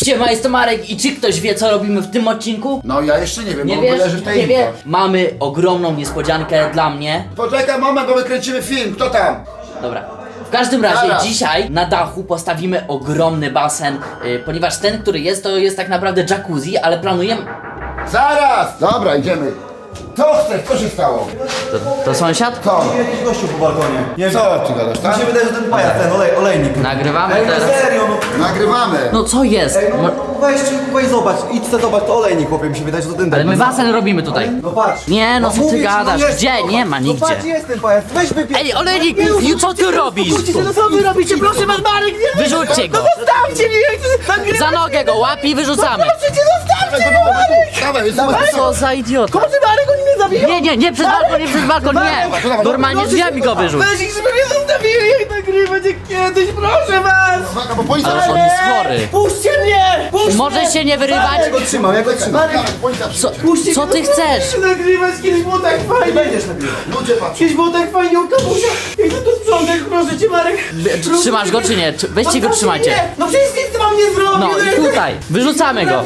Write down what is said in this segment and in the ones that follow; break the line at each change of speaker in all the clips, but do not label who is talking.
Siema, jestem Marek i czy ktoś wie, co robimy w tym odcinku?
No ja jeszcze nie wiem,
Nie
bo
wiesz?
leży w tej
Nie wie? Mamy ogromną niespodziankę dla mnie.
Poczekaj moment, bo my kręcimy film, kto tam?
Dobra. W każdym razie
Zaraz.
dzisiaj na dachu postawimy ogromny basen, ponieważ ten, który jest, to jest tak naprawdę jacuzzi, ale planujemy...
Zaraz! Dobra, idziemy. Co chcesz? Co się stało?
To sąsiad?
Co?
Jakiś gościu po balkonie. Nie wiem,
Co ty gadasz,
mi
tak?
się wydaje, że ten pajac, ten olejnik.
Nagrywamy
Ej, no
teraz.
serio, no.
Nagrywamy.
No co jest?
Weź zobacz, idź se zobacz, to olejnik, chłopie, mi się wydaje, że to ten
Ale my
debil.
basen robimy tutaj.
No patrz.
Nie, no co ty
mówię ci,
gadasz?
jest,
Gdzie?
no.
Nie ma
No
nigdzie.
patrz, jest ten pajac, weź wypij.
Ej, olejnik, i co ty robisz?
No co wy robicie, proszę was, Marek, nie
Wyrzućcie go!
zostawcie mnie, ja chcę nagrywać.
Za nogę go łap i wyrzucamy!
Proszę cię, zostawcie mnie, Marek.
Dawaj,
Co za idiota!
Boże, Marek, oni mnie zabiją.
Nie, przez balkon, nie! Normalnie drzwiami go wyrzuć!
Weź ich, żeby mnie zostawili, jak nagrywać, jak kiedyś, proszę was.
Uwaga, bo policja
Ale on
przychodzi.
jest chory!
Puśćcie mnie! Puśćcie
Możesz się nie wyrywać?
Ja go trzymam, ja go trzymam.
Dawaj, policja przychodzi.
Puśćcie
Co
mnie,
ty
no
chcesz?
chcę nagrywać, kiedyś było tak fajnie. Będziesz nagrywać.
Ludzie patrzą.
Kiedyś było tak fajnie u kamusia. Jak ty to sprzątać, proszę cię, Marek. Proszę
Trzymasz
cię,
go czy nie? Weźcie go,
Zostawcie
trzymajcie!
mnie. No przecież nic wam nie zrobię.
No i tutaj, wyrzucamy go!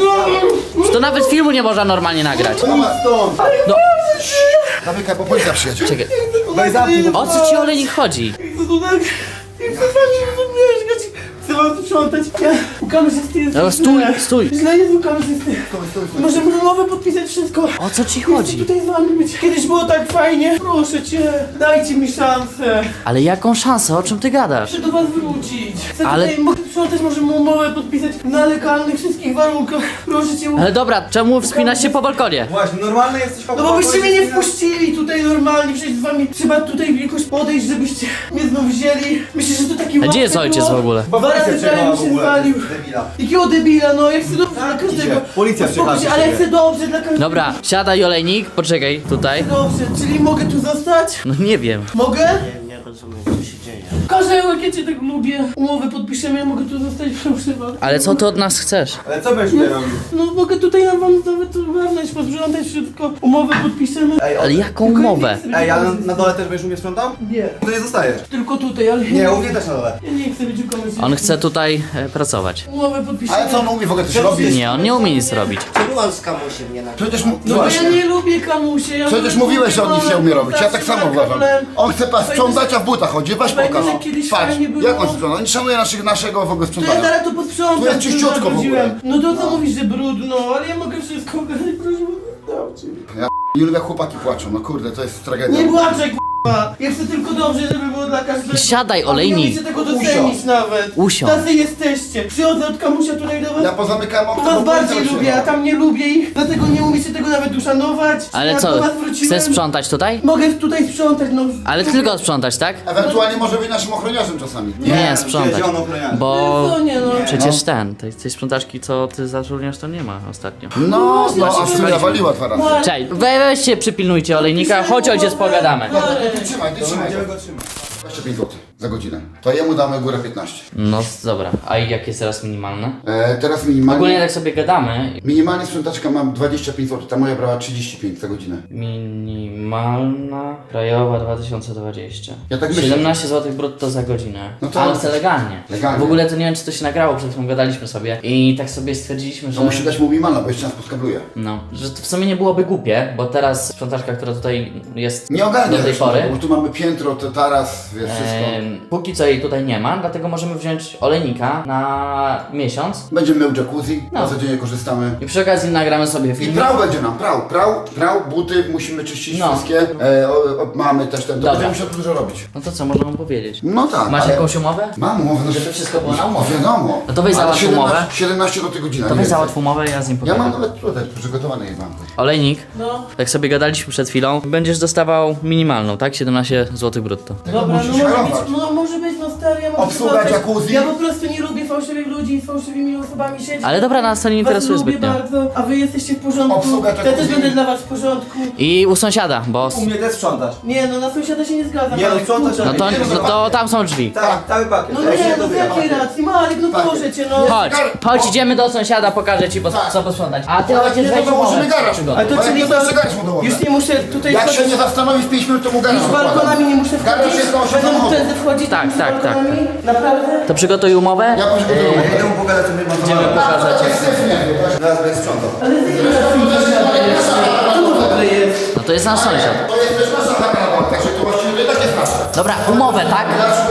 To nawet filmu nie można normalnie nagrać.
Dawaj, stąd.
No,
Zamykaj, bo policja przyjedzie.
czekaj,
Daj zamknij,
o co ci olejnik chodzi?
Chcę tu tak... Chcę z wami mieszkać. Chcę wam sprzątać. Ja u kamerzysty jest
No, stój.
Źle jest u kamerzysty. Możemy umowę podpisać wszystko.
O co ci
Chcę
chodzi?
tutaj z wami być. Kiedyś było tak fajnie. Proszę cię, dajcie mi szansę.
Ale jaką szansę? O czym ty gadasz?
Chcę do was wrócić. Chcę
Ale-
tutaj mogę sprzątać, możemy umowę podpisać na legalnych wszystkich warunkach. Proszę cię.
Ale dobra, czemu wspinasz się po balkonie?
Właśnie, normalny jesteś No bo byście mnie nie wpuścili tutaj normalnie, przecież z wami trzeba tutaj jakoś podejść, żebyście mnie znów wzięli. Myślę, że to taki
A gdzie jest
łatwy
ojciec
krok.
w ogóle?
Dwa razy prawie mi się zwalił. Jakiego debila, no ja chcę dobrze dla każdego. idzie. Policja Uspokój się, przyjechała
tak
ale do chcę dobrze dla każdego.
Dobra, siadaj olejnik, poczekaj, tutaj.
Dobrze, czyli mogę tu zostać?
No nie wiem.
Mogę?
Nie rozumiem, co się dzieje.
Karzełek, ja cię tak lubię. Umowę podpiszemy, ja mogę tu zostać, proszę was.
Ale co ty od nas chcesz?
Ale co będziesz tutaj robił? No mogę tutaj na wam nawet ogarnąć, posprzątać wszystko. Umowę podpiszemy.
Ale jaką umowę?
Ej, ale na dole też będziesz umie sprzątał? Nie. To nie zostajesz. Tylko tutaj, ale Nie, u mnie też na dole. ja nie chcę być u kogoś.
On chce tutaj pracować.
Umowę podpiszemy.
Ale co on umie w ogóle coś robić?
Nie, on nie umie nic robić.
Czemu on z kamusiem nie nagrywa?
Przecież
No bo ja
właśnie.
nie lubię kamusie. Ja
Przecież
wolę
mówiłeś, że on nic nie umie robić. Ja tak
zawsze
samo
ma
uważam.
problem.
On chce pas sprzątać, a w butach chodzi. Weź
Pamiętam,
pokaż.
jak kiedyś
Patrz,
fajnie było.
jak on sprząta. On nie szanuje naszego w ogóle
To ja
sprzątania.
zaraz to posprzątam.
Tu jest czyściutko w ogóle.
zawróciłem. No to co mówisz, że brudno, ale ja mogę wszystko ogarnąć, proszę. Dajcie mi.
Ja nie lubię, jak chłopaki płaczą. No kurde, to jest tragedia.
Nie płaczę, k***a. Ja chcę tylko dobrze, żeby było dla każdego.
Siadaj,
A
olejnik.
nie umiecie tego docenić nawet.
Usiądź.
Tacy jesteście. Przychodzę od kamusia tutaj do was.
Ja pozamykałem
Tu
okno,
was
bo policja
bardziej lubię, a
przyjechała.
tam nie lubię ich. Dlatego nie umiecie tego nawet uszanować.
Ale
Ja
co,
do was wróciłem.
chcesz sprzątać tutaj?
Mogę tutaj sprzątać, no.
Ale tylko sprzątać, tak?
Ewentualnie może być naszym ochroniarzem czasami.
Nie, sprzątać. Bo
No nie no.
przecież tej sprzątaczki, co ty zatrudniasz, to nie ma ostatnio.
No,
właśnie,
a w sumie nawaliła 2 razy.
Cześć, weźcie, przypilnujcie olejnika, chodź ojciec, pogadamy.
Dobra, to ty trzymaj, ty trzymaj. 25 zł za godzinę. To jemu damy górę 15.
No dobra, a jak jest teraz minimalne?
Teraz
Ogólnie
minimalnie...
tak sobie gadamy.
Minimalnie sprzątaczka mam 25 zł, ta moja brała 35 za godzinę.
Minimalna krajowa 2020.
Ja tak myślę.
17 zł brutto za godzinę.
No to-
Ale chcę legalnie.
Legalnie.
W ogóle to nie wiem, czy to się nagrało, przed chwilą gadaliśmy sobie i tak sobie stwierdziliśmy, że
To musi dać mu minimalna, bo jeszcze nas podkabluje.
no, że to w sumie nie byłoby głupie, bo teraz sprzątaczka, która tutaj jest
Nie ogarnia
do tej
też,
pory.
bo tu mamy piętro, to taras, wiesz, wszystko.
Póki co jej tutaj nie ma, dlatego możemy wziąć olejnika na miesiąc
Będziemy mył jacuzzi,
No.
na codziennie korzystamy.
i przy okazji nagramy sobie
I
film.
prał będzie nam, prał, buty musimy czyścić
No.
wszystkie. Mamy też ten, to
Dobra.
będziemy musiał dużo robić.
No to co, można mu powiedzieć?
No tak,
Masz
ale-
jakąś umowę?
Mam umowę, no,
Żeby wszystko było na umowie.
Wiadomo.
No to weź
Ale
załatw
17
umowę.
17 do tej godziny.
To
nie
weź
więcej.
załatw umowę, ja z nim
Ja mam
pogadam.
nawet tutaj przygotowane je mam.
Olejnik,
No.
tak sobie gadaliśmy przed chwilą, będziesz dostawał minimalną, tak? 17 zł brutto.
Dobra,
musisz
no może
harować.
być, no może być, no stary, ja mogę
Obsługa
sprzątać.
jacuzzi.
Ja po prostu nie lubię fałszywych ludzi z fałszywymi osobami siedzieć.
Ale dobra, nas to nie
Was
interesuje
lubię
zbytnio.
bardzo, a wy jesteście w porządku.
Obsługa
Ja też
jacuzzi.
będę dla was w porządku.
I u sąsiada, bo...
U mnie też sprzątasz. Nie, no na sąsiada się nie zgadzam.
Nie, no
Marek,
sprzątasz,
tutaj.
No to tam są drzwi.
Tak, cały pakiet.
No nie, no z jakiej racji? Marek, no proszę cię, no.
Chodź, idziemy do sąsiada, pokażę ci co posprzątać. A ty ojciec
Nie,
weź
to dołożymy
umowę.
garaż.
Przygotuj.
Ale to
Bo jak
czyli
nie, to jeszcze garaż mu dołożę.
już nie muszę tutaj
Jak się
wchodzić.
nie zastanowi w 5 minut, to mu garaż
Już
układam.
balkonami nie muszę
Garaż
wchodzić.
jest na 8
Będę mógł
samochodów.
wtedy wchodzić
Tak,
tymi
tak, tak.
balkonami? Naprawdę?
To przygotuj umowę
Ja Ja idę mu pokazać, co my mamy.
Idziemy pokazać, jak
Teraz będzie sprzątał.
Ale ty co to w ogóle jest?
No to jest nasz sąsiad.
To jest też nasza chata, także to właściwie to tak jest nasze.
Dobra, umowę, tak?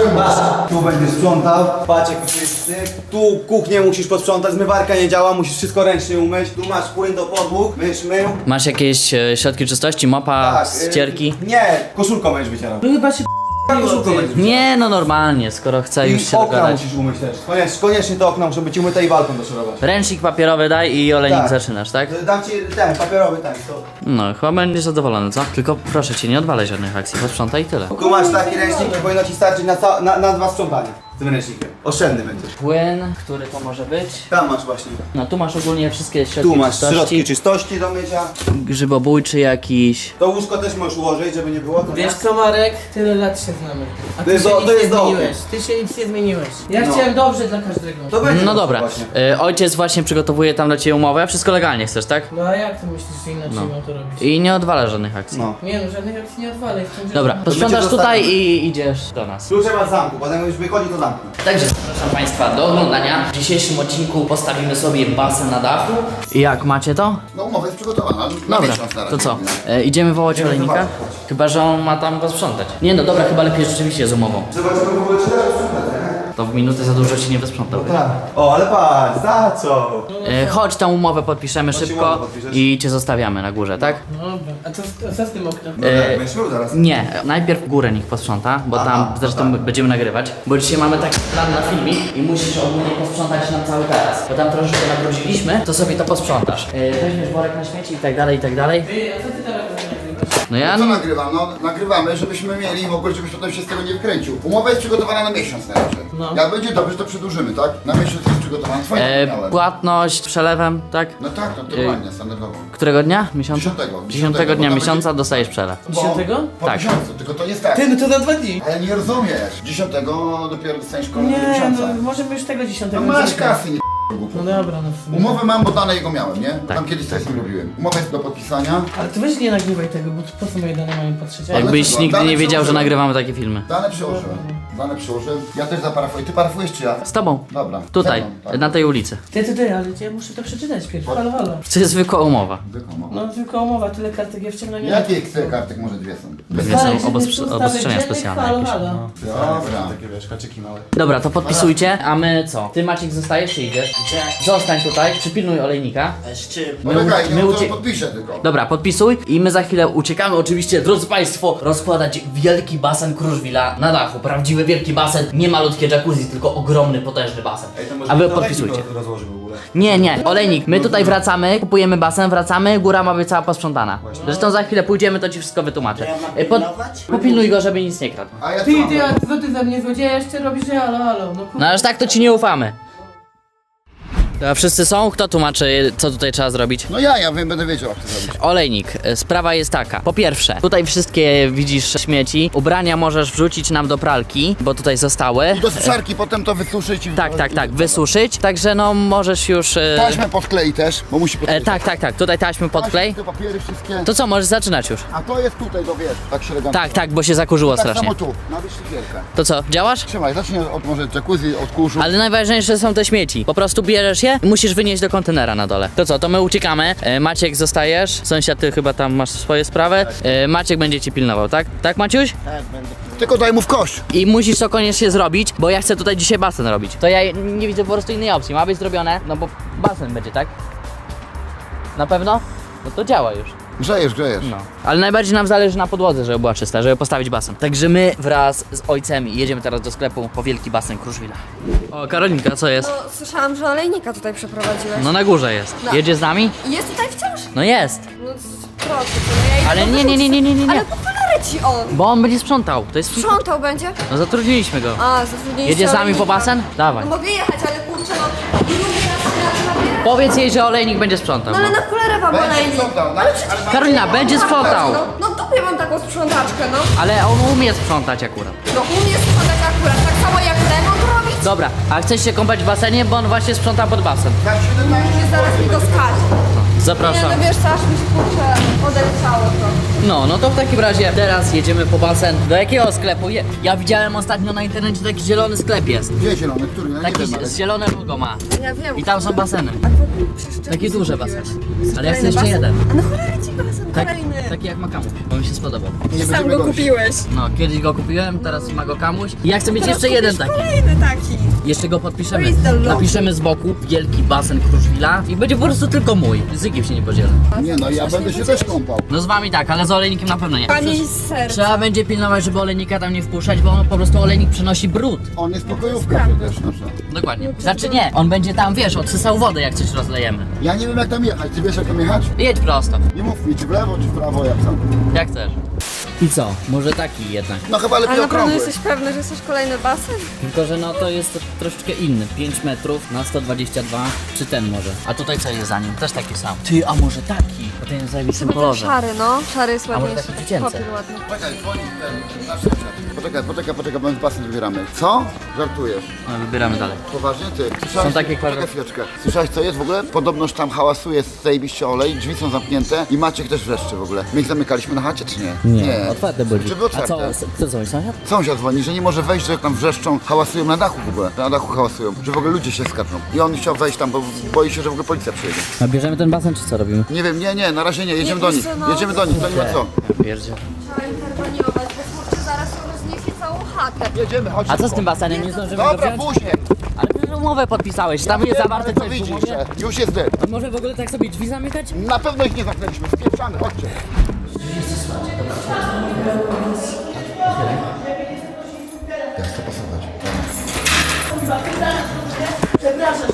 Tu będziesz sprzątał, patrz jaki tu jest syk. Tu kuchnię musisz posprzątać, zmywarka nie działa, musisz wszystko ręcznie umyć. Tu masz płyn do podłóg, będziesz mył.
Masz jakieś środki czystości, mopa, ścierki?
Nie, koszulką będziesz wycierał.
No chyba się
Koszulką będziesz wycierał.
Nie, no normalnie, skoro chce już
I
się
okna
dogadać.
musisz umyć też. Koniecznie te okna muszą być umyte i walką doszorować.
Ręcznik papierowy daj i olejnik
Tak.
zaczynasz, tak?
Dam ci ten, papierowy, tak, to.
No, chyba będziesz zadowolony, co? Tylko proszę cię, nie odwalaj żadnych akcji, posprzątaj i tyle.
Tu masz taki ręcznik i powinno ci starczyć na 2 sprzątania. Z tym ręcznikiem. Oszczędny będziesz.
Płyn, który to może być?
Tam masz właśnie.
No tu masz ogólnie wszystkie środki
Tu masz
czystości.
środki czystości do mycia.
Grzybobójczy jakiś.
To łóżko też możesz ułożyć, żeby nie było. To
Wiesz co, Marek? Tyle lat się znamy. A
To
ty
jest
się
do-
nic
to
nie
jest dobre.
zmieniłeś. Ty się nic nie zmieniłeś. Ja
No.
chciałem dobrze dla każdego.
To będzie
No
to
dobra,
właśnie.
ojciec właśnie przygotowuje tam dla ciebie umowę, wszystko legalnie chcesz, tak?
No a jak ty myślisz, że inaczej mam to robić?
I nie odwala żadnych akcji.
No.
Nie no, żadnych akcji nie odwalaj. w tym, że-
Dobra, posprzątasz
będzie
tutaj
zostawione.
i idziesz do nas.
Klucze masz w zamku, potem już wychodzi to zamku.
Także zapraszam Państwa do oglądania. W dzisiejszym odcinku postawimy sobie basen na dachu. I jak, macie to?
No umowa jest przygotowana. Na
Dobra,
miesiąc na razie.
to co? Idziemy wołać olejnika?
zobaczyć.
Chyba, że on ma tam posprzątać. Nie no, dobra, chyba lepiej rzeczywiście z umową.
Zobaczymy w ogóle czy dasz sprzątać, nie?
To w minutę za dużo ci nie wysprzątał.
Tak. O, ale patrz, za co?
Chodź, tą umowę podpiszemy
Chodź,
szybko
umowę podpiszesz.
i cię zostawiamy na górze, tak?
Dobra. A co z tym oknem?
Będziesz mył zaraz.
Nie, najpierw górę niech posprząta, bo tam zresztą będziemy nagrywać. Bo dzisiaj mamy taki plan na filmik i musisz ogólnie posprzątać nam cały teraz. Bo tam troszeczkę nabrudziliśmy, to sobie to posprzątasz. Weźmiesz worek na śmieci i tak dalej, i tak dalej.
Ty, a co ty teraz robisz?
No ja...
Co nagrywam? No nagrywamy, żebyśmy mieli w ogóle, żebyś potem się z tego nie wkręcił. Umowa jest przygotowana na miesiąc na razie.
No.
Jak będzie dobrze, to przedłużymy, tak? Na miesiąc jest przygotowana. Twoje miałem.
Płatność przelewem, tak?
No tak, no normalnie, standardowo.
Którego dnia? Miesiąca?
Dziesiątego.
10
Bo
dnia
tam
miesiąca
będzie-
dostajesz przelew.
Bo-
10?
Po
Tak.
miesiącu, tylko to jest tak.
Ty, no to za 2 dni.
Ale nie rozumiesz. 10 dopiero dostaniesz kolejnego
Nie,
miesiąca.
no możemy już tego 10.
No masz
zrobić.
kasy, nie głupio.
No dobra, no w sumie.
Umowę mam, bo dane jego miałem, nie?
Tak.
Tam kiedyś coś z tym robiłem. Umowa jest do podpisania.
Ale ty weź nie nagrywaj tego, bo po co moje dane mają patrzeć?
Ale
Jakbyś
czego?
nigdy
Dane
nie wiedział, że
przełożyłem.
nagrywamy takie filmy.
Dane przyłożyłem. Dane przyłożyłem. Ja też zaparafuję. Ty parafujesz czy ja?
Z tobą.
Dobra.
Tutaj,
Ze mną, tak.
na tej ulicy.
Ty, ale ja muszę to przeczytać pierw. Halo, halo.
To jest zwykła umowa.
Wykomo.
No tylko umowa, tyle kartek ja wciągnę nie.
Jakie chcę kartek? Może dwie są.
Dwie są obostrzenia specjalne
Halo,
jakieś.
halo.
Dobra.
Takie wiesz, haczyki małe.
Dobra, to podpisujcie, a my co? Ty Maciek zostajesz czy idziesz?
Gdzie?
Zostań tutaj, przypilnuj olejnika.
Z czym?
No
My
czekaj,
my
nie
ucie-
to podpiszę tylko.
Dobra, podpisuj i my za chwilę uciekamy. Oczywiście, drodzy Państwo, rozkładać wielki basen Kruszwila na dachu. Prawdziwy wielki basen, nie malutkie jacuzzi, tylko ogromny, potężny basen. A wy podpisujcie.
Rozłoży w ogóle.
Nie, olejnik, my tutaj wracamy, kupujemy basen, wracamy, góra ma być cała posprzątana. Zresztą za chwilę pójdziemy, to ci wszystko wytłumaczę.
To ja mam
Pod-
pilnować?
Popilnuj go, żeby nic nie kradł.
A ja co?
Ty, a co ty za mnie złodzieja jeszcze robisz? Halo, no
No aż tak to ci nie ufamy. A wszyscy są? Kto tłumaczy, co tutaj trzeba zrobić?
No ja wiem, będę wiedział jak to zrobić.
Olejnik, sprawa jest taka. Po pierwsze, tutaj wszystkie widzisz śmieci. Ubrania możesz wrzucić nam do pralki, bo tutaj zostały.
Do suszarki potem to wysuszyć i...
Tak, wysuszyć. Także no możesz już.
Taśmę podklei też, bo musi podkleić.
Tak, tutaj taśmy podklej.
Te papiery wszystkie.
To co, możesz zaczynać już?
A to jest tutaj, do wiesz, tak średnio.
Tak, bo się zakurzyło
Tak
strasznie.
samo tu, na wyszlifierkę.
To co, działasz?
Trzymaj, zacznij od może jacuzzi, od kurzu.
Ale najważniejsze są te śmieci. Po prostu bierzesz je i musisz wynieść do kontenera na dole. To co, to my uciekamy. Maciek zostajesz. Sąsiad, ty chyba tam masz swoje sprawy. Maciek będzie ci pilnował, tak? Tak, Maciuś?
Tak, będę.
Tylko daj mu w kość.
I musisz to koniecznie zrobić, bo ja chcę tutaj dzisiaj basen robić. To ja nie widzę po prostu innej opcji. Ma być zrobione, no bo basen będzie, tak? Na pewno? No to działa już.
Grzejesz.
No. Ale najbardziej nam zależy na podłodze, żeby była czysta, żeby postawić basen. Także my wraz z ojcem jedziemy teraz do sklepu po wielki basen Kruszwila. O, Karolinka, co jest?
No, słyszałam, że olejnika tutaj przeprowadziłeś.
No na górze jest.
No.
Jedzie z nami?
I jest tutaj wciąż?
No jest.
No proszę, to no ja idę
Ale
go
nie.
wyrzucić. Ale po cholerę ci on!
Bo on będzie sprzątał. To jest...
Sprzątał będzie?
No zatrudniliśmy go.
A, zatrudniliście
Jedzie z nami po
olejnika.
basen? Dawaj.
No mogę jechać, ale kurczę, no drugi raz na nabierę.
Powiedz jej, że olejnik będzie sprzątał.
No ale na cholerę wam
Będzie
olejnik.
sprzątał,
Ale
tak?
przecież
Ale
Karolina, będzie sprzątał.
No dupie mam taką sprzątaczkę, no.
Ale on umie sprzątać akurat.
No umie sprzątać akurat, tak samo jak Lemon robi,
Dobra, a chcesz się kąpać w basenie, bo on właśnie sprząta pod basen.
Za 17
Nie, zaraz mi go skaże.
Zapraszam.
Nie, no wiesz co, aż mi się kurczę odechciało to.
No to w takim razie teraz jedziemy po basen. Do jakiego sklepu? Ja widziałem ostatnio na internecie taki zielony sklep jest.
Gdzie zielony? Który? Ja nie
Taki
wiem, ale...
zielone logo ma.
Ja wiem.
I tam są baseny.
Przecież
Takie duże baseny. Ale ja chcę
kolejny
jeszcze
basen?
jeden.
A no cholery ci basen
Tak,
kolejny.
taki jak ma Kamuś, bo mi się spodobał.
Nie
Sam
będziemy
go
gości.
kupiłeś.
No, kiedyś go kupiłem, teraz ma go Kamuś. I ja chcę mieć
Teraz
jeszcze jeden
kupisz
taki.
kolejny taki.
Jeszcze go podpiszemy.
Where is the logo?
Napiszemy z boku wielki basen Kruszwila i będzie po prostu tylko mój. Z nikim się nie podzielę.
Nie no, ja będę się też kąpał.
No z wami tak, ale z olejnikiem na pewno nie.
Pani z serca.
Trzeba będzie pilnować, żeby olejnika tam nie wpuszczać, bo on po prostu olejnik przynosi brud.
On jest pokojówka przecież nasza.
Dokładnie. Znaczy nie, on będzie tam, wiesz, odsysał wodę jak coś rozlejemy.
Ja nie wiem jak tam jechać, ty wiesz jak tam jechać?
Jedź prosto,
Nie mów mi, czy w lewo, czy w prawo, jak tam.
jak chcesz. I co? Może taki jednak.
No chyba lepiej
Ale naprawdę
okrągły.
jesteś pewny, że chcesz kolejny basen?
Tylko, że no to jest troszeczkę inny. 5 metrów na 122, czy ten może. A tutaj co jest za nim? Też taki sam. Ty, a może taki? Bo ten jest w zajebistym
Chyba ten
kolorze.
szary, no. Szary jest
może
ładniejszy.
taki dziecięcy?
Papier ładny.
Czekaj, dzwoni ten, nasz sąsiad. Poczekaj, bo my basen wybieramy. Co? Żartujesz?
No, wybieramy dalej.
Poważnie ty? Słyszałeś,
Są takie
Czekaj
kwadraty.
chwileczkę. Słyszałeś co jest w ogóle? Podobnoż tam hałasuje zajebiście olej, drzwi są zamknięte i Maciek też wreszcie w ogóle. My ich zamykaliśmy na chacie czy nie?
otwarte byli.
Żeby otwarte.
A co, kto dzwoni, sąsiad?
Sąsiad dzwoni, że nie może wejść, że tam wrzeszczą, hałasują na dachu w ogóle. Na dachu hałasują, że w ogóle ludzie się skarżą. I on chciał wejść tam, bo boi się, że w ogóle policja przyjedzie.
A bierzemy ten basen, czy co robimy?
Nie wiem, nie, na razie nie, jedziemy
Nie,
do
wiesz
nich.
co, no.
Jedziemy do nich, to nie ma co.
Pierdzie.
Trzeba interweniować, bo kurczę zaraz rozniesie całą chatę.
Jedziemy, chodź.
A co z
szybko.
tym basenem? Nie zdążymy go
Dobra,
wziąć?
później.
Ale przecież umowę podpisałeś, tam jest zawarte
To
coś w
widzisz,
umowie.
że już jest dym.
A może w ogóle tak sobie drzwi zamykać?
Na pewno ich nie zamknęliśmy, spieprzamy, chodźcie. Ja chcę pasować.
Przepraszam.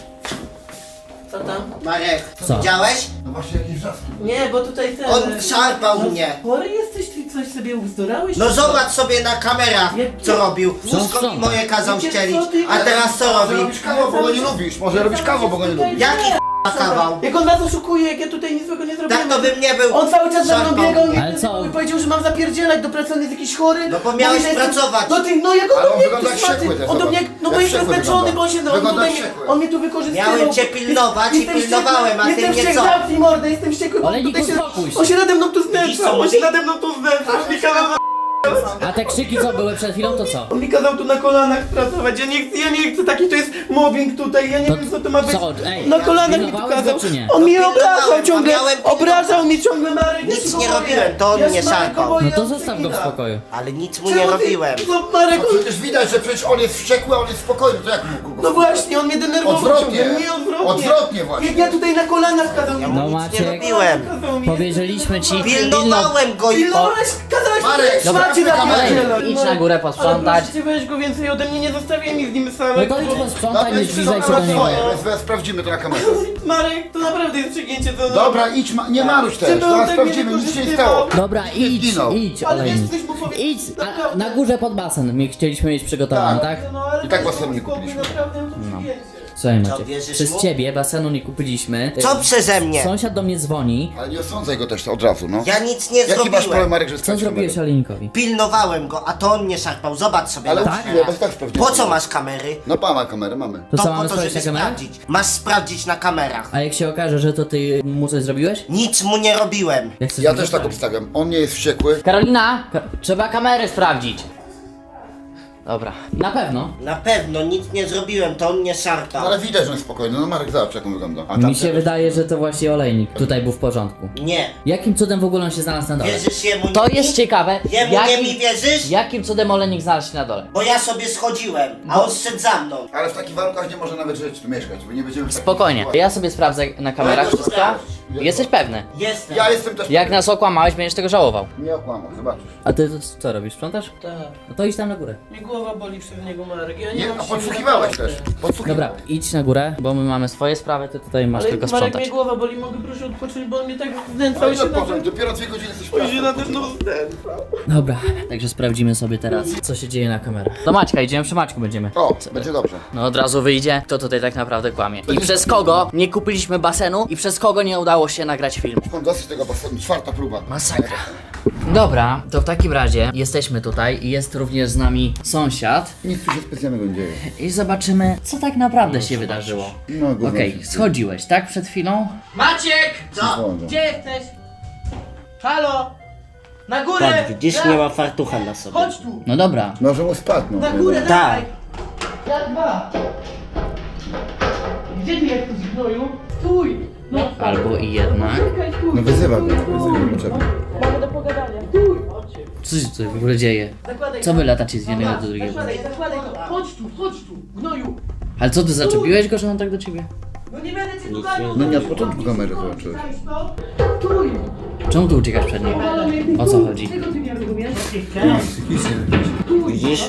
Co tam?
Marek,
Co?
widziałeś?
No właśnie jakieś wrzaski.
Nie, bo tutaj ten...
On szarpał mnie.
Chory jesteś, ty coś sobie uzdurałeś?
No zobacz sobie na kamerach, co robił.
Co
Łóżko mi
sprząta?
moje kazał
Wiecie,
ścielić,
co ty-
a teraz co
Może
robi?
robisz kawał, bo go nie lubisz. Może robisz kawał, bo go nie lubisz.
Jaki kawał?
Jak on was oszukuje, jak ja tutaj nic złego nie zrobiłem.
Tak to bym nie był.
On cały czas za mną
szarpał.
biegał
Ale co?
i powiedział, że mam zapierdzielać do pracy, on jest jakiś chory.
No bo miałeś
Mówi, że jestem-
pracować.
No ty, no jak on
Ale
do
on
mnie
wygląda jak
tu szmaty.
wściekły też,
On do mnie,
zobacz.
no bo
Jak
jestem
wściekły
zmęczony,
wygląda.
bo on się, on
Wygląda
tutaj,
jak wściekły.
on mnie tu wykorzystywał.
Miałem cię pilnować i
Jestem
pilnowałem, a ty
jestem
mnie
wściekły,
co?
zamknij mordę, jestem wściekły, bo
Olejnik,
tutaj
uspokój się.
on się nade mną tu
Widzisz,
znęcał,
co
on się
mówi?
nade mną tu znęcał, on mi kazał
A te krzyki co były przed chwilą, to co?
on mi kazał tu na kolanach pracować, ja nie chcę, taki to jest mobbing tutaj, ja nie
To
wiem co to ma być.
co, ej,
Na kolanach mi tu
pilnowałeś
kazał.
go, czy nie?
On mnie
No
obrażał
pilnowałem,
ciągle,
a miałem pilnować.
obrażał mnie ciągle Marek. ja
Nic
się go
nie
boję.
robiłem, to on
Ja
mnie
się Marek
szarpał.
go boję,
No to
on
zostaw go w
przegina.
spokoju.
Ale nic mu nie
Czemu ty-
robiłem.
No Marek,
No
on...
przecież widać, że przecież on jest wściekły, a on jest spokojny, to jak mógł go
No właśnie, on mnie denerwował
Odwrotnie.
ciągle, nie odwrotnie.
Odwrotnie właśnie.
Jak ja tutaj na kolanach kazał
Ja
mi.
mu
No
nic nie
Maciek,
robiłem.
Kazał mi.
powiedzieliśmy ci.
Pilnowałem go i
Pilnowałeś, kazałeś
Marek,
mi szmacie
dobra,
na
Marek,
pierdzielę.
idź na górę posprzątać.
Ale proszę cię, weź go więcej ode mnie, nie zostawiaj mi z nim
No
samego.
to idź
No
posprzątaj, nie
idź
zbliżaj się
na
do niego.
swoje, zaraz sprawdzimy to na kamerze.
Marek, to naprawdę jest przegięcie, to...
Dobra, idź, nie marusz też,
Żeby on
zaraz
tak mnie
sprawdzimy, nic się nie
wykorzystywał.
stało.
Dobra, idź,
zginął.
idź,
Ale wiesz,
olejnik.
coś mu powiedzieć.
Idź, a na górze pod basen my chcieliśmy mieć przygotowany, tak?
No, ale
I tak
to
basenu nie
spokój,
kupiliśmy.
Naprawdę, to przegięcie.
Słuchaj
Co,
Maciek,
wierzysz
przez
mu?
ciebie basenu nie kupiliśmy.
Co przeze mnie?
Sąsiad do mnie dzwoni.
Ale nie osądzaj go też od razu, no.
Ja nic nie
Jaki masz problem,
zrobiłem.
Marek, że
Co
sprawdzimy
zrobiłeś
go?
olejnikowi?
Pilnowałem go, a to on mnie szarpał. Zobacz sobie
Ale
na
Tak?
uczciwie, bo tak sprawdzimy.
Po co masz kamery?
No pana kamerę mamy.
To co,
To
mamy
po to,
sprawdzić
żeby
na kamerę?
sprawdzić. Masz sprawdzić na kamerach.
A jak się okaże, że to ty mu coś zrobiłeś?
Nic mu nie robiłem.
Jak chcesz
Ja
mi
też tak
zostawić?
obstawiam. On nie jest wściekły.
Karolina, trzeba kamery sprawdzić. Dobra, na pewno.
Na pewno nic nie zrobiłem, to on mnie szarpał.
Ale widać, że on jest spokojny. No Marek, zobacz jak on wygląda. A
Mi się wydaje, że to właśnie olejnik tutaj był w porządku.
Nie.
Jakim cudem w ogóle on się znalazł na dole?
Wierzysz jemu
To
nie
jest
mi?
ciekawe.
Jemu nie mi wierzysz?
Jakim cudem olejnik znalazł się na dole?
Bo ja sobie schodziłem, a on szedł za mną.
Ale w takich warunkach nie może nawet żyć, tu mieszkać, bo nie będziemy w takiej
Spokojnie,
sytuacji.
ja sobie sprawdzę na kamerach
No to
wszystko.
sprawdź.
Jesteś pewny?
Jestem.
Ja jestem też...
Jak nas okłamałeś, będziesz tego żałował.
Nie okłamał, zobaczysz.
A ty co robisz? Sprzątasz?
Tak.
No to idź tam na górę.
Mnie głowa boli przez niego, Marek. Ja nie,
Nie,
mam
a
siły
podsłuchiwałeś
naprawdę.
też. Podsłuchiwałeś.
Dobra, idź na górę, bo my mamy swoje sprawy, ty tutaj masz
Ale
tylko
Marek,
sprzątać.
mnie głowa boli, mogę prosić odpocząć, bo on mnie tak znęcał
Ale
się
ile
na
potem? Dopiero 2 godziny jesteś w
On się
pracy.
nade mną znęcał.
Dobra, także sprawdzimy sobie teraz, co się dzieje na kamerach. Do Maćka idziemy, przy Maćku będziemy.
O, będzie dobrze.
No od razu wyjdzie, kto tutaj tak naprawdę kłamie. I przez kogo nie kupiliśmy basenu i przez kogo nie udało się nagrać filmu.
Mam dosyć tego basenu, 4. próba.
Masakra. Dobra, to w takim razie jesteśmy tutaj i jest również z nami sąsiad
Nic tu się specjalnego nie dzieje.
i zobaczymy, co tak naprawdę się wydarzyło.
No, gówno
Okej,
się dzieje.
schodziłeś, tak? Przed chwilą?
Maciek!
Co?
Gdzie jesteś? Halo? Na górę!
Tak, widzisz,
Raz.
nie ma fartucha na sobie.
Chodź tu!
No dobra.
Może mu spadł, no.
Na górę,
Tak.
dawaj! Ja dwa! Gdzie ty jesteś, gnoju? Stój! No,
Albo i jednak.
czekaj, stój!
No wyzywa go, potrzebny.
Mamy do pogadania. Stój!
Co się tutaj w ogóle dzieje?
Zakładaj
Co
to.
wy latacie z jednego
Dobra,
do drugiego?
Zakładaj to. Chodź tu, gnoju!
Ale co, ty zaczepiłeś go, że on tak do ciebie?
No nie będę cię tu ganiał!
No nie od początku kamerę zobaczyłeś.
Stój!
Czemu tu uciekasz przed nim? O co chodzi?
Czego ty nie rozumiesz?
Widzisz?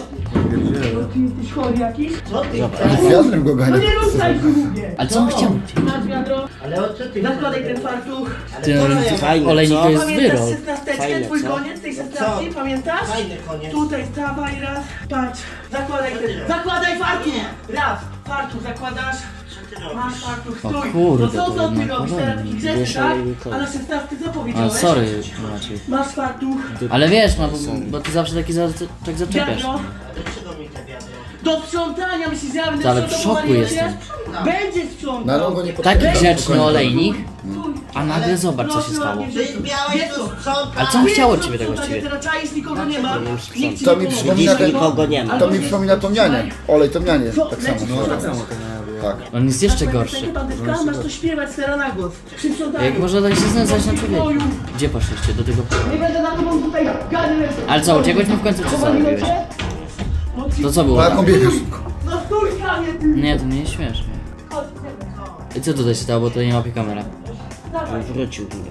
Ty jesteś chory jakiś?
Co ty?
Z wiatrem go gania.
No nie ruszaj się, mówię!
Ale co on chciał?
Masz wiadro,
Ale o co ty?
zakładaj ten fartuch.
Ty,
Fajne,
olejnik
co?
to jest
Pamiętasz
wyrok.
16,
Fajne,
twój
co?
koniec tej 16, pamiętasz?
Fajny koniec.
Tutaj stawaj raz, patrz, zakładaj fartuch! Raz, fartuch zakładasz,
Co ty robisz?
masz fartuch,
O
stój!
kurde,
No co
to
ty
jednak
robisz teraz, taki grzeczny,
Wiesz,
tak?
olejnikowi.
A na 16 co
A
powiedziałeś?
sorry, Maciej.
Masz fartuch,
Ale wiesz, no bo ty zawsze taki tak zaczepiasz.
wiadro,
Dlaczego mi te wiadro?
do sprzątania, myślisz, że ja będę
Ale w
sprzątał,
szoku
powaliłem
jestem.
cię? Będzie
No ale
sprzątał!
on go nie
Taki
potrafi.
grzeczny olejnik,
Stój.
a nagle zobacz co się
Proszę
stało.
ładnie,
Ty miałeś to sprzątać.
Ale co on chciał od ciebie tego właściwie?
Teraz czaisz, nikogo nie ma. Nikt ci
To
nie
mi
pomoże.
przypomina ten...
Nikogo nie ma.
To mi przypomina tą nianię. Olej tą nianię. Tak samo.
No,
tak samo. Tak.
On jest jeszcze
Masz
gorszy.
pamiętać, bandytka? Masz to śpiewać teraz na głos. Przy sprzątaniu.
Jak można tak się znęcać na człowieku? Gdzie poszliście do tego?
Nie będę na tobą tutaj ganił.
Ale co, uciekłeś mu w końcu, czy co
Powaliłem
robiłeś?
cię? No ci-
To co było
Po jaką
tam?
biegasz?
No stój, kamień, ty!
Nie, to nie jest śmieszne.
Chodź, idziemy.
I co tutaj się stało, bo to nie łapie kamera?
Dawaj.
Wrócił mnie.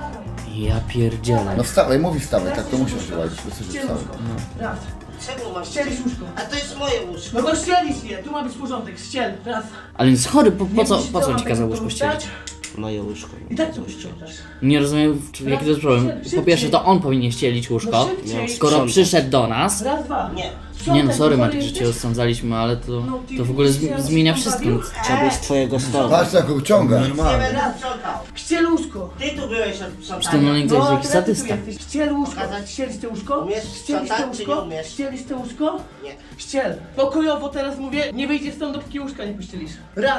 Ja pierdzielę.
No wstawaj, mówi wstawaj, tak to musisz działać. Wystarczy, że
Ściel
wstawaj.
łóżko. Raz.
Czemu masz?
Ścielisz łóżko.
A to jest moje łóżko.
No to ścielisz je. Tu ma być porządek. Ściel. Raz.
Ale jest chory, po
Nie
co,
musisz
po co
całą
ci kazał
tego
łóżko
wstać.
ścielić?
Moje łóżko.
I tak to sprzątasz.
Nie rozumiem, jaki to jest problem. Po pierwsze, to on powinien ścielić łóżko,
No szybciej.
skoro
Sprzątać.
przyszedł do nas.
Raz, dwa.
Nie.
Nie no, sorry
Sprzątaj,
Maciek, że cię
jesteś?
osądzaliśmy, ale to
No,
w ogóle
ty
zmienia
się
wszystko.
bawił?
Chciałbyś twojego stołu.
Patrz jak go ciąga.
Nie będę sprzątał.
Ściel łóżko.
Ty tu byłeś od
Czy ten
sprzątania.
olejnik to jest jakiś
teraz ty tu
sadysta?
jesteś. Ściel łóżko.
Pokazać?
Ścielisz te łóżko?
Umiesz
Ścielisz te
sprzątać, czy nie
łóżko?
umiesz?
Ścielisz te łóżko?
Nie.
Ściel. Pokojowo teraz mówię, nie wyjdziesz stąd, dopóki łóżka nie pościelisz. Raz.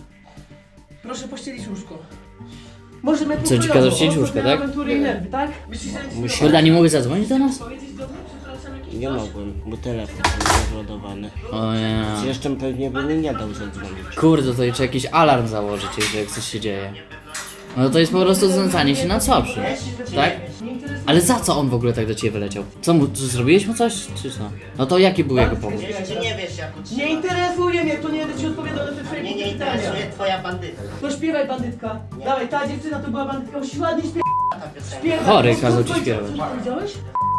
Proszę pościelić łóżko. Możemy
Co, ci kazał ścielić łóżko, tak?
Awantury i nerwy, tak? Myślisz, że nic
Kurde, a nie mogę zadzwonić do nas?
powiedzieć do mnie? Przepraszam, jakiś
Nie
coś?
mogłem, bo telefon był załadowany.
O nie.
Jeszcze pewnie by mi nie dał zadzwonić.
Kurde, to jeszcze jakiś alarm założyć, jak coś się dzieje. No to jest po prostu znęcanie się na słabszym, tak? Ale za co on w ogóle tak do ciebie wyleciał? Co mu, czy zrobiłeś mu coś, czy co? No to jaki był jego powód?
Jeszcze nie wiesz jak
Nie
utrzymać.
interesuje mnie, to nie będę ci odpowiadał na te twoje
Mnie nie
pytania.
interesuje twoja bandyta.
To śpiewaj, bandytka. Dawaj, ta dziewczyna to była bandytka, musisz ładnie śpiewać.
Ta piosenka.
Śpiewaj.
Chory
Co
kazał ci
powiedziałeś?
śpiewać.
Co powiedziałeś?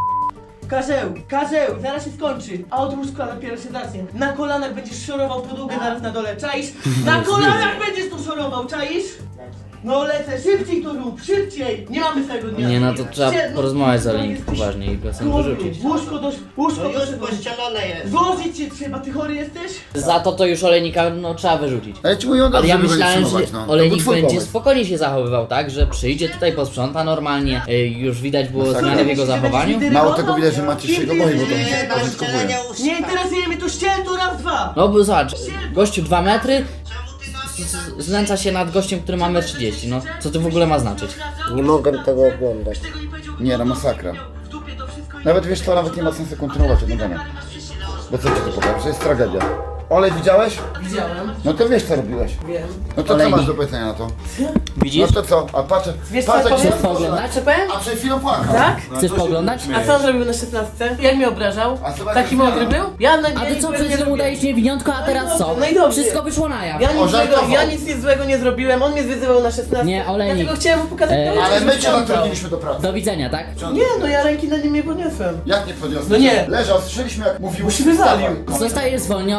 Karzeł, zaraz się skończy, a od łóżka dopiero się zacznie. Na kolanach będziesz szorował podłogę zaraz na dole, czaisz? Na kolanach będziesz tu szorował, czaisz? No lecę, szybciej to rób, szybciej! Nie mamy tego dnia.
Nie, no to trzeba
Ściel-
porozmawiać z
no,
olejnikiem
jesteś
poważnie i go sam
chory.
wyrzucić.
Łóżko
No już
proszę,
pościelone jest.
złożyć cię trzeba, ty chory jesteś?
Za to już olejnika no trzeba wyrzucić.
Ale ci mówią
Ale
dobrze,
ja
żeby
myślałem,
wytrzymywać,
że
no.
olejnik
To był twój
będzie
pomysł.
spokojnie się zachowywał, tak? Że przyjdzie tutaj, posprząta normalnie, już widać było
Masakra.
zmiany w jego zachowaniu.
Mało tego widać, że Maciej się go boi, bo to mi się
Nie, na
pożytkowuje.
ścielenie łóżka.
Nie interesuje mnie to ściel, to raz, dwa!
No bo zobacz, gościu 2 metry,
Czemu ty na mnie
znęca się nad gościem, który ma 1,30 m. No co to w ogóle ma znaczyć?
Nie mogłem tego oglądać.
Nie, no masakra.
W dupie to wszystko i...
Nawet wiesz co, nawet nie ma sensu kontynuować tego dania. Bo co ci to pokaże? To jest tragedia. Olej widziałeś?
Widziałem,
No to wiesz co robiłeś.
wiem.
No to co
Olejnik.
masz do powiedzenia na to?
Widzisz?
No to co? A patrz,
Wiesz co
patrz
ja
jak się
powiem?
Pooglądać?
Co powiem?
A przed chwilą płakał.
Tak?
Chcesz pooglądać?
A co on zrobił na 16? Jak mnie obrażał?
A zobacz,
Taki
jak
mądry
zmiana.
był? Ja na
A ty co, przed chwilą udajesz niewiniątko, a teraz co?
No i dobrze.
Wszystko wyszło na jaw.
Ja nic złego nie zrobiłem, on mnie zwyzywał na 16.
Nie, olejnik.
Dlatego chciałem mu pokazać to,
Ale
że
my cię
sprzątał.
zatrudniliśmy do pracy.
Do widzenia, tak?
Nie, no ja ręki na nim nie podniosłem.
Jak nie podniosłeś?
No nie.
Leżał, słyszeliśmy jak mówił.
Już wywalił.
Zostajesz zwolniony.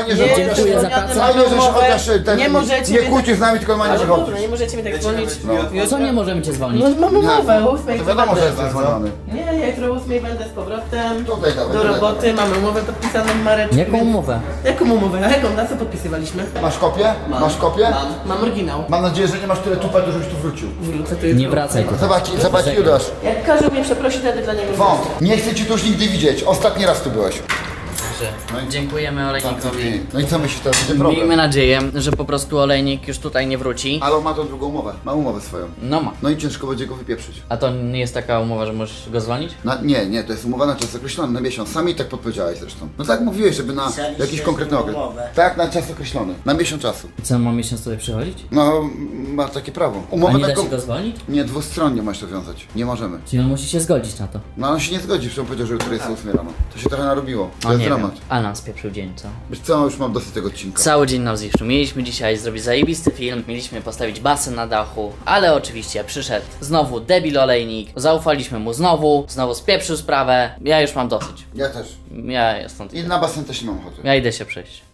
fajnie, że
Dziękuję za pracę.
Fajnie, że się chociaż ten,
Nie możecie
nie
mnie
kłócisz z nami, tylko normalnie
Ale
wychodzisz.
dobra, nie możecie mi tak dzwonić.
Co nie możemy cię zwolnić?
No mamy umowę, o
To
8
wiadomo, że jestem zwolniony.
Nie, ja jutro o 8 będę z powrotem.
Tutaj dawaj,
Do
tutaj
roboty, mamy umowę podpisaną, Mareczku.
Jaką umowę?
Jaką umowę? A jaką? Na co podpisywaliśmy?
Masz kopię? Masz kopię?
Mam oryginał.
Mam nadzieję, że nie masz tyle tupetu, żebyś tu wrócił.
Wrócę tu jutro.
Nie wracaj tu.
Zobacz Judasz.
Jak każą mnie przeprosić, wtedy dla niego
Wąt, nie chcę cię tu już nigdy widzieć. Ostatni raz tu byłeś.
Dziękujemy Olejnikowi.
No i co myślisz, teraz będzie problem?
Miejmy nadzieję, że po prostu Olejnik już tutaj nie wróci.
Ale on ma tą drugą umowę. Ma umowę swoją.
No ma.
No i ciężko będzie go wypieprzyć.
A to nie jest taka umowa, że możesz go zwolnić?
Nie, to jest umowa na czas określony, na miesiąc. Sami tak podpowiedziałeś zresztą. No tak mówiłeś, żeby na
Pisaliście
jakiś konkretny okres.
umowę.
Tak, na czas określony. Na miesiąc czasu.
I co, mam miesiąc tutaj przychodzić?
No, ma takie prawo.
A
Umowę
nie da
taką...
się go zwolnić?
Nie, dwustronnie masz to wiązać. Nie możemy.
Czyli on musi się zgodzić na to.
No on się nie zgodzi, że on powiedział, że jutro jest 8 rano. To się trochę narobiło. To
O
jest
nie wiem.
dramat.
Ale nam spieprzył dzień, co?
Wiesz co, już mam dosyć tego odcinka.
Cały dzień nam zniszczył. Mieliśmy dzisiaj zrobić zajebisty film, mieliśmy postawić basen na dachu, ale oczywiście przyszedł znowu debil Olejnik, zaufaliśmy mu znowu spieprzył sprawę. Ja już mam dosyć.
Ja też.
Ja stąd
I
idę.
na basen też nie mam ochoty.
Ja idę się przejść.